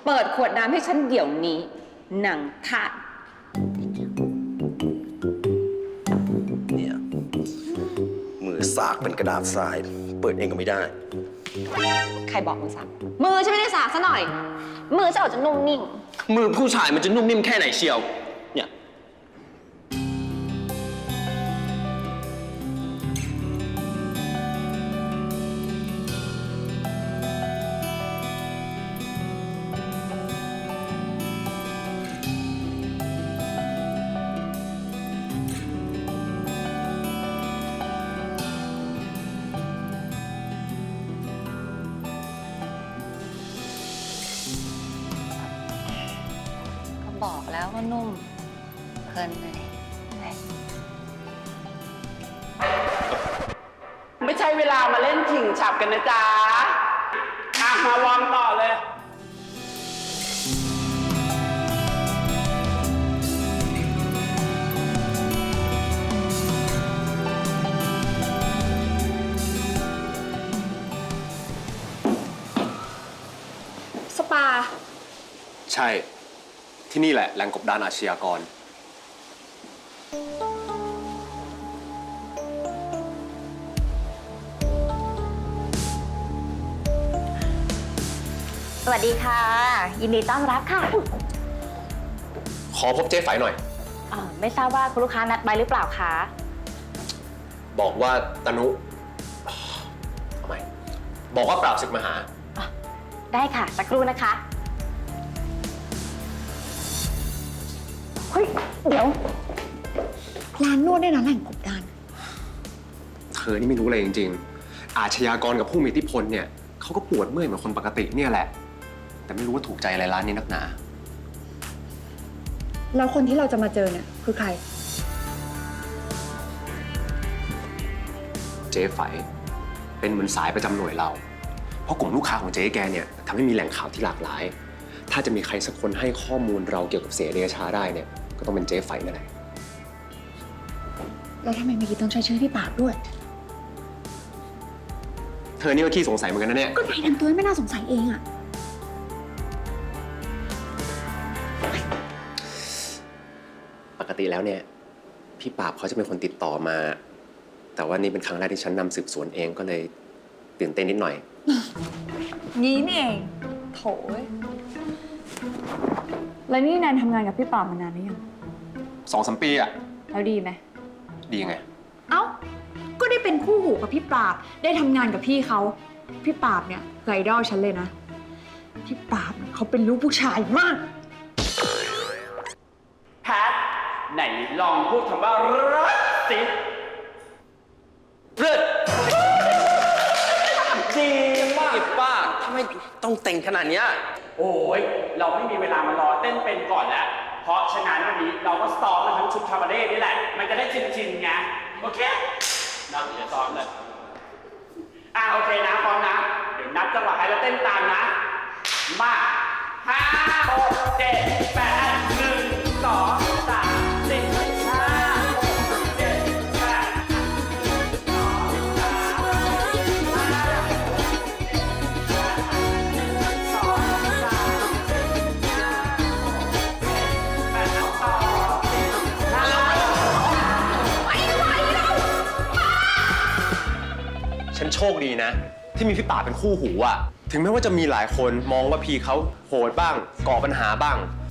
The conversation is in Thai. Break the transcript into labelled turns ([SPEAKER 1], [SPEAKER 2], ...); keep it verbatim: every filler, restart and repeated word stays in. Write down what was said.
[SPEAKER 1] เปิดขวดน้ำให้ฉันเดี๋ยวนี้หนังทาส
[SPEAKER 2] เนี่ยมือสากเป็นกระดาษทราย เปิดเองก็ไม่ได้
[SPEAKER 1] ใครบอกมือสากมือฉันไม่ได้สากซะหน่อย มือฉันออกจะนุ่มนิ่ม
[SPEAKER 2] มือผู้ชายมันจะนุ่มนิ่มแค่ไหนเชียวเนี่ย
[SPEAKER 1] ก็บอกแล้วว่านุ่มเพลินเลย
[SPEAKER 3] ไม่ใช่เวลามาเล่นฉิงฉับกันนะจ๊ะอ่ะมาวอร์มต่อเลย
[SPEAKER 4] สปา
[SPEAKER 5] ใช่ ที่นี่แหละแหล่งกบดานอาชญากร
[SPEAKER 4] สวัสดีค่ะ ยินดีต้อนรับค่ะ
[SPEAKER 5] ขอพบเจ๊ไฝหน่อย
[SPEAKER 4] อ่าไม่ทราบว่าคุณลูกค้านัดไว้หรือเปล่าคะ
[SPEAKER 5] บอกว่าตนุทำไมบอกว่าปราบศึกมาหา
[SPEAKER 4] ได้ค่ะ สักครู่นะคะ เฮ้ย เดี๋ยว ร้านนวดได้นะแหล่งกบดาน
[SPEAKER 5] เธอนี่ไม่รู้อะไรจริงๆ อาชญากรกับผู้มีอิทธิพลเนี่ยเขาก็ปวดเมื่อยเหมือนคนปกติเนี่ยแหละ แต่ไม่รู้ว่าถูกใจอะไรร้านนี้นักหนา
[SPEAKER 6] แล้วคนที่เราจะมาเจอเนี่ยคือใคร
[SPEAKER 5] เจ๊ไฝเป็นเหมือนสายประจำหน่วยเรา เพราะกลุ่มลูกค้าของเจ๊แกเนี่ยทำให้มีแหล่งข่าวที่หลากหลาย ถ้าจะมีใครสักคนให้ข้อมูลเราเกี่ยวกับเสียเดชาได้เนี่ยก็ต้องเป็นเจ๊ไฝนั่นแหละ
[SPEAKER 6] แล้วทำไมเมื่อกี้ต้องใช้ชื่อพี่ปราบด้วย
[SPEAKER 5] เธอนี่ก็ขี้สงสัยเหมือนกันนะเนี่ย
[SPEAKER 6] ก็ไหนทำตัวไม่น่าสงสัยเองอะ
[SPEAKER 5] ปกติแล้วเนี่ยพี่ปราบเขาจะเป็นคนติดต่อมา แต่ว่านี่เป็นครั้งแรกที่ฉันนำสืบสวนเองก็เลยตื่นเต้นนิดหน่อย
[SPEAKER 6] งี้นี่เองโถยแล้วนี่แนนทำงานกับพี่ปราบมานานหรือยัง
[SPEAKER 5] สองสามปีอะ
[SPEAKER 6] แล้วดีไหม
[SPEAKER 5] ดียังไง
[SPEAKER 6] เอ้า ก็ได้เป็นคู่หูกับพี่ปราบ ได้ทำงานกับพี่เขา พี่ปราบเนี่ยคือไอดอลฉันเลยนะ พี่ปราบเนี่ยเขาเป็นลูกผู้ชายมาก
[SPEAKER 3] แพท ไหนลองพูดคำว่ารักสิเลิศดีมาก
[SPEAKER 2] ป้าทำไมต้องแต่งขนาดเนี้ย
[SPEAKER 3] โอ้ย เราไม่มีเวลามารอเต้นเป็นก่อนแล้ว เพราะฉะนั้นวันนี้เราก็ซ้อมมาทั้งชุดคาบาเร่นี่แหละ มันจะได้ชินๆไง โอเคเราเดี๋ยวซ้อมเลย อ่ะโอเคนะพร้อมนะ เดี๋ยวนับจังหวะให้เราเต้นตามนะ มาห้าหกเจ็ดแปดหนึ่งสองสามสี่ห้าหกเจ็ดแปดสองสามสี่ห้าสองสามสี่ห้าแปดสองสองสี่ห้าไปไปเรา
[SPEAKER 5] ฉันโชคดีนะ ที่มีพี่ป่าบเป็นคู่หูอะถึงแม้ว่าจะมีหลายคนมองว่าพี่เขาโหดบ้างก่อปัญหาบ้าง